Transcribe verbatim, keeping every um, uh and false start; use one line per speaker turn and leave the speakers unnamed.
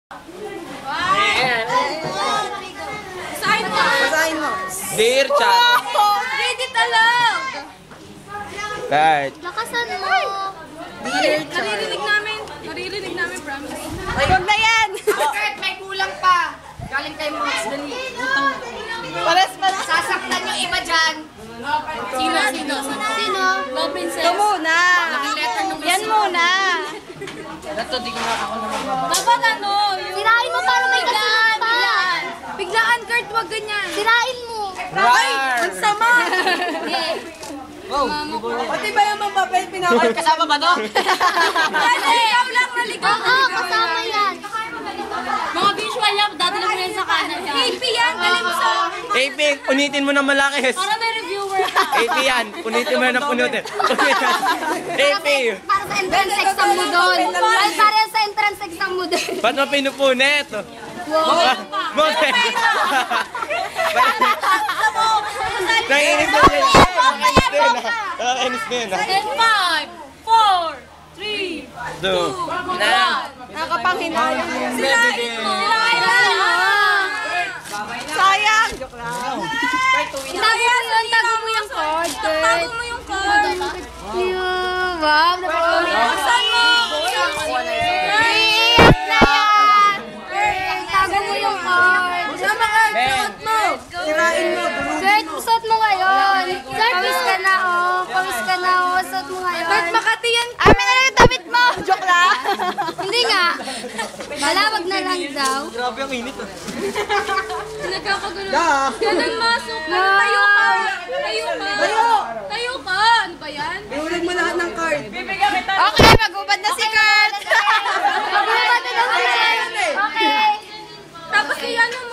Sign mo.
Basahin mo.
Dear Chan.
Read it aloud.
Right.
Lakasan mo.
Dear Chan.
Naririnig namin. Naririnig namin, promise.
Huwag na yan.
Kurt, may kulang pa. Galing kay Max Dali.
Pares pa na.
Sasaktan yung iba dyan.
Sino? Sino?
Sino?
Go, princess.
Ito muna.
letter nung
Yan muna.
Ito, di ko na ako naman.
Dapat ano?
Sirain mo para may kasunod pa.
Biglaan. Biglaan, Kurt. Wag ganyan.
Sirain mo.
Ay, ang sama.
Wow.
Pati ba yung mga papel pinakal?
Kasama ba to?
Kasi, ikaw lang naligaw.
Oo, kasama yan.
Mga visual lang, dadala mo yan sa kanan. K P yan, dali mo sa...
A P, unitin mo ng malaki.
Para may reviewer.
A P yan, punitin mo na ng punutin. A P.
Para sa entrance exam mo doon. Para para sa entrance exam mo doon.
Ba't mo pinupunit? Wow. Moment. Naiinis na sila. Naiinis na yun. Naiinis na yun.
And five, four, three,
Do. Na.
Nakakapanghinayang.
Bebe.
Sayang. Joke lang.
Tago mo yun, tago mo yung card.
tago mo yung card.
Wow, napakaulit.
Saan mo?
Tago mo yung card.
Sama ka.
Ben.
Sirain mo.
Kurt, suot mo ngayon. Pawis ka na, oh. Pawis ka na, oh. Suot mo ngayon.
Kurt, Makati yan.
Amin na lang yung damit mo. Joke lang.
Hindi nga. Malawag na lang daw.
Grabe ang init.
Nagkakagulo.
Da.
Ganun masok. Tayo ka. Tayo ka.
Tayo.
Tayo ka. Ano ba yan?
Iulag mo lahat ng card.
Okay, magubad na si Kurt. Magubad na daw si Kurt. Okay.
Tapos kaya ano